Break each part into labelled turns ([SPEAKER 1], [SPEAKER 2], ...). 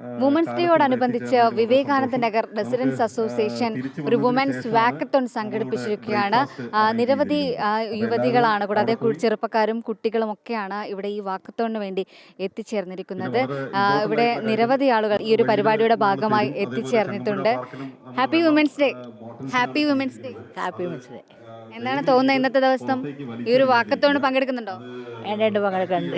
[SPEAKER 1] Women's ഡേയോടനുബന്ധിച്ച് Vivekananda Nagar residents association ഒരു women's walkathon സംഘടിപ്പിച്ചിരിക്കുകയാണ്. നിരവധി യുവതികളാണ്, കൂടാതെ ചെറുപ്പക്കാരും കുട്ടികളും ഒക്കെയാണ് ഇവിടെ ഈ വാക്കത്തോണിന് വേണ്ടി എത്തിച്ചേർന്നിരിക്കുന്നത്. ഇവിടെ നിരവധി ആളുകൾ ഈ ഒരു പരിപാടിയുടെ ഭാഗമായി എത്തിച്ചേർന്നിട്ടുണ്ട്. Happy women's day. Happy women's day.
[SPEAKER 2] Happy women's day.
[SPEAKER 1] എന്താണ് തോന്നുന്നത് ഇന്നത്തെ ദിവസം ഈ ഒരു വാക്കത്തോണ് പങ്കെടുക്കുന്നുണ്ടോ?
[SPEAKER 2] എൻ്റെ പങ്കെടുക്കുന്നുണ്ട്.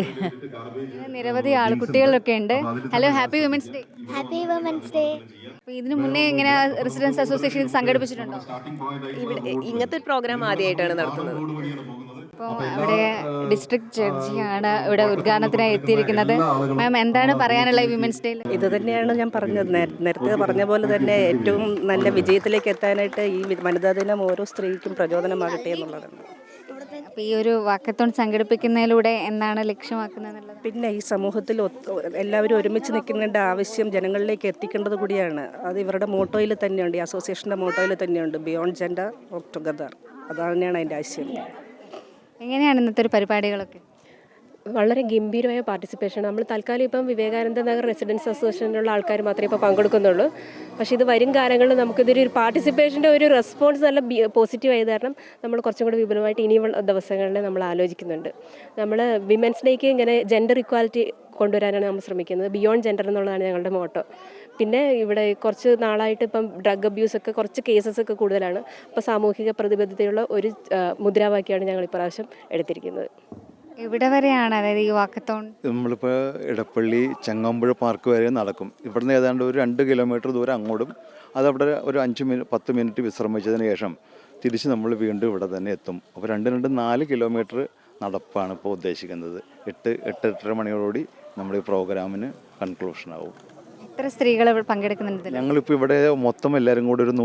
[SPEAKER 1] നിരവധി കുട്ടികളൊക്കെ ഉണ്ട്. Hello, happy women's day.
[SPEAKER 3] Happy women's day.
[SPEAKER 1] ഇതിനു മുന്നേ ഇങ്ങനെ റെസിഡൻസ് അസോസിയേഷൻ സംഘടിപ്പിച്ചിട്ടുണ്ടോ?
[SPEAKER 4] ഇവിടെ ഇങ്ങനത്തെ ഒരു പ്രോഗ്രാം ആദ്യമായിട്ടാണ് നടത്തുന്നത്.
[SPEAKER 1] ഇപ്പോൾ ഇവിടെ ഡിസ്ട്രിക്ട് ജഡ്ജിയാണ് ഇവിടെ ഉദ്ഘാടനത്തിനായി എത്തിയിരിക്കുന്നത്. മാം, എന്താണ് പറയാനുള്ള വിമൻസ് ഡേയിൽ?
[SPEAKER 5] ഇത് തന്നെയാണ് ഞാൻ പറഞ്ഞത്, നേരത്തെ പറഞ്ഞ പോലെ തന്നെ ഏറ്റവും നല്ല വിജയത്തിലേക്ക് എത്താനായിട്ട് ഈ വനിതാ ദിനം ഓരോ സ്ത്രീക്കും പ്രചോദനമാകട്ടെ എന്നുള്ളതാണ്.
[SPEAKER 1] അപ്പോൾ ഈ ഒരു വാക്കത്തോൺ സംഘടിപ്പിക്കുന്നതിലൂടെ എന്താണ് ലക്ഷ്യമാക്കുന്നത്?
[SPEAKER 5] പിന്നെ ഈ സമൂഹത്തിൽ എല്ലാവരും ഒരുമിച്ച് നിൽക്കേണ്ട ആവശ്യം ജനങ്ങളിലേക്ക് എത്തിക്കേണ്ടത് കൂടിയാണ്. അത് ഇവരുടെ മോട്ടോയിൽ തന്നെയുണ്ട്, ഈ അസോസിയേഷൻ്റെ മോട്ടോയിൽ തന്നെയുണ്ട്, ബിയോണ്ട് ജെൻഡർ വർക്ക് ടുഗദർ. അതാണ് അതിൻ്റെ ആശയം.
[SPEAKER 1] എങ്ങനെയാണ് ഇന്നത്തെ ഒരു പരിപാടികളൊക്കെ?
[SPEAKER 4] വളരെ ഗംഭീരമായ പാർട്ടിസിപ്പേഷൻ. നമ്മൾ തൽക്കാലം ഇപ്പം വിവേകാനന്ദ നഗർ റെസിഡൻസ് അസോസിയേഷനിലുള്ള ആൾക്കാർ മാത്രമേ ഇപ്പോൾ പങ്കെടുക്കുന്നുള്ളൂ. പക്ഷേ ഇത് വരും കാലങ്ങളിൽ നമുക്കിതൊരു പാർട്ടിസിപ്പേഷൻ്റെ ഒരു റെസ്പോൺസ് നല്ല പോസിറ്റീവ് ആയത് കാരണം നമ്മൾ കുറച്ചും കൂടി വിപുലമായിട്ട് ഇനിയുള്ള ദിവസങ്ങളിൽ നമ്മൾ ആലോചിക്കുന്നുണ്ട്. നമ്മൾ വിമൻസ് ഡേക്ക് ഇങ്ങനെ ജെൻഡർ ഇക്വാലിറ്റി കൊണ്ടുവരാനാണ് നമ്മൾ ശ്രമിക്കുന്നത്. ബിയോണ്ട് ജെൻഡർ എന്നുള്ളതാണ് ഞങ്ങളുടെ മോട്ടോ. പിന്നെ ഇവിടെ കുറച്ച് നാളായിട്ട് ഇപ്പം ഡ്രഗ് അബ്യൂസൊക്കെ കുറച്ച് കേസസ് ഒക്കെ കൂടുതലാണ്. അപ്പോൾ സാമൂഹിക പ്രതിബദ്ധതയുള്ള ഒരു മുദ്രാവാക്യമാണ് ഞങ്ങൾ ഇപ്രാവശ്യം എടുത്തിരിക്കുന്നത്.
[SPEAKER 1] ഇവിടെ വരെയാണ്, അതായത് ഈ വാക്കത്തോൺ
[SPEAKER 6] നമ്മളിപ്പോൾ ഇടപ്പള്ളി ചങ്ങമ്പുഴ പാർക്ക് വരെ നടക്കും. ഇവിടുന്ന് ഏതാണ്ട് ഒരു 2 കിലോമീറ്റർ ദൂരം അങ്ങോട്ടും, അതവിടെ ഒരു 10 മിനിറ്റ് വിശ്രമിച്ചതിന് ശേഷം തിരിച്ച് നമ്മൾ വീണ്ടും ഇവിടെ തന്നെ എത്തും. അപ്പോൾ 4 കിലോമീറ്റർ നടപ്പാണ് ഇപ്പോൾ ഉദ്ദേശിക്കുന്നത്. 8-8:30 മണിയോടുകൂടി നമ്മുടെ ഈ പ്രോഗ്രാമിന് കൺക്ലൂഷൻ ആവും.
[SPEAKER 1] എത്ര സ്ത്രീകൾ പങ്കെടുക്കുന്നുണ്ട്?
[SPEAKER 6] ഞങ്ങളിപ്പോൾ ഇവിടെ മൊത്തം എല്ലാവരും കൂടി ഒരു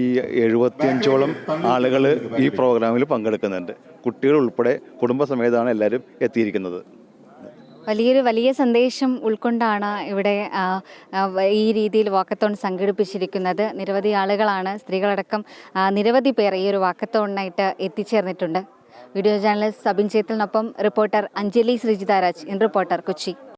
[SPEAKER 6] 175ഓളം ആളുകൾ ഈ പ്രോഗ്രാമിൽ പങ്കെടുക്കുന്നുണ്ട്. കുട്ടികൾ ഉൾപ്പെടെ കുടുംബസമേതമാണ് എല്ലാവരും എത്തിയിരിക്കുന്നത്.
[SPEAKER 1] വലിയ സന്ദേശം ഉൾക്കൊണ്ടാണ് ഇവിടെ ഈ രീതിയിൽ വാക്കത്തോൺ സംഘടിപ്പിച്ചിരിക്കുന്നത്. നിരവധി ആളുകളാണ്, സ്ത്രീകളടക്കം നിരവധി പേർ ഈ ഒരു വാക്കത്തോണിനായിട്ട് എത്തിച്ചേർന്നിട്ടുണ്ട്. വീഡിയോ ജേർണലിസ്റ്റ് സബിൻ ചേത്തലിനൊപ്പം reporter Anjali Sreejitharaj, in reporter, Kochi.